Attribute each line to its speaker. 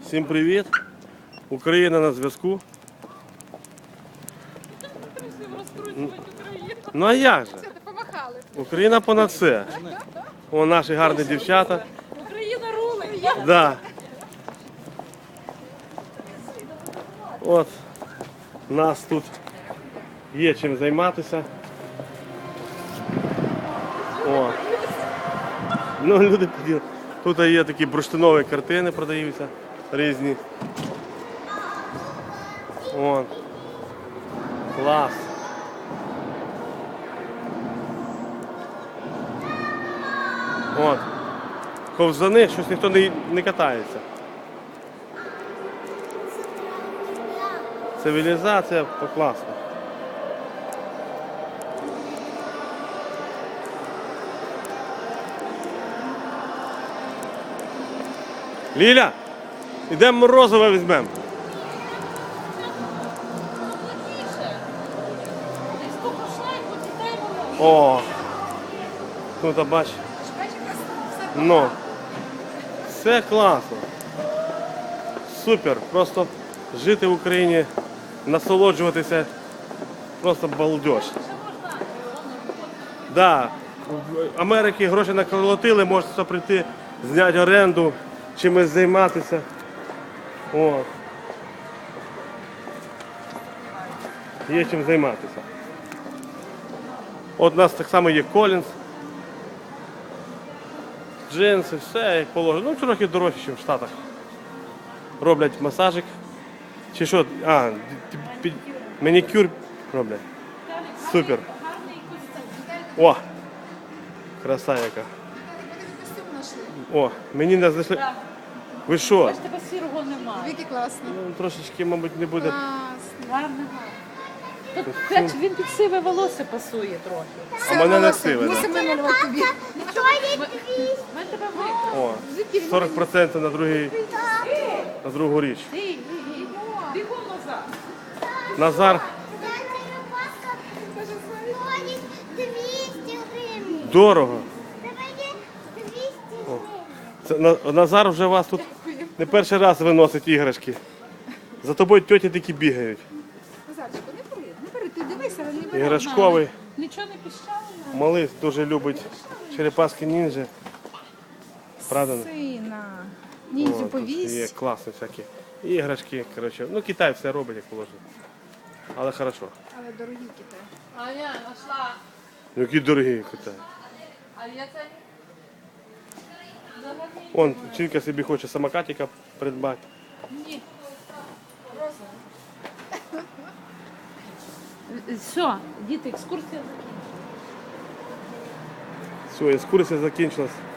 Speaker 1: Всім привіт! Україна на зв'язку. Ну а як же? Україна понад все. О, наші гарні дівчата.
Speaker 2: Україна рулить.
Speaker 1: Да. От, нас тут є чим займатися. О. Ну, люди поділи. Тут є такі бурштинові картини, продаються різні. О. Клас. От. Ковзани, щось ніхто не катається. Цивілізація покласна. Ліля, йдемо морозиво візьмемо. О, тут бач. Ну, все класно. Супер. Просто жити в Україні, насолоджуватися, просто балдеж. Да, в Америці гроші наколотили, можете прийти, зняти оренду, чимось займатися. О. Є чим займатися. От у нас так само є Колінс. Джинси, все як положено. Ну, трохи дорожче, ніж в Штатах. Роблять масажик. Чи що? Манікюр роблять. Супер. О! Краса яка. О, мені не знайшли. Ви що?
Speaker 2: Ось тебе сірого немає.
Speaker 3: Віки класно.
Speaker 1: Ну, трошечки, мабуть, не буде.
Speaker 2: Гарно. Тут він під сиве волосся пасує трохи.
Speaker 1: А мене не сиве.
Speaker 3: Мусимо намалювати тобі.
Speaker 2: Ми тебе викрили.
Speaker 1: О, 40% на другу річ.
Speaker 2: Бігом назад.
Speaker 1: Назар.
Speaker 4: 200 гривень.
Speaker 1: Дорого.
Speaker 4: Давайте 200
Speaker 1: Це,
Speaker 4: гривень.
Speaker 1: Назар вже вас тут не перший раз виносить іграшки. За тобою тьоті такі бігають.
Speaker 3: Назарчику, не бери, ти дивися, але не бери.
Speaker 1: Іграшковий.
Speaker 2: Нічого не піщало?
Speaker 1: Малий дуже любить черепашки ніндзя. Правда?
Speaker 3: Сина. Ніндзю
Speaker 1: О, тут
Speaker 3: повісь.
Speaker 1: є класні всякі іграшки. Коротше. Ну, Китай все робить, як положено. Але хорошо.
Speaker 3: Але дорогі китай.
Speaker 2: А я знайшла.
Speaker 1: Які дорогі Китай.
Speaker 2: А я це...
Speaker 1: Вон, Чинка собі хоче самокатика придбати.
Speaker 2: Ні. Все, діти, екскурсія закінчена.
Speaker 1: Все, екскурсія закінчилась.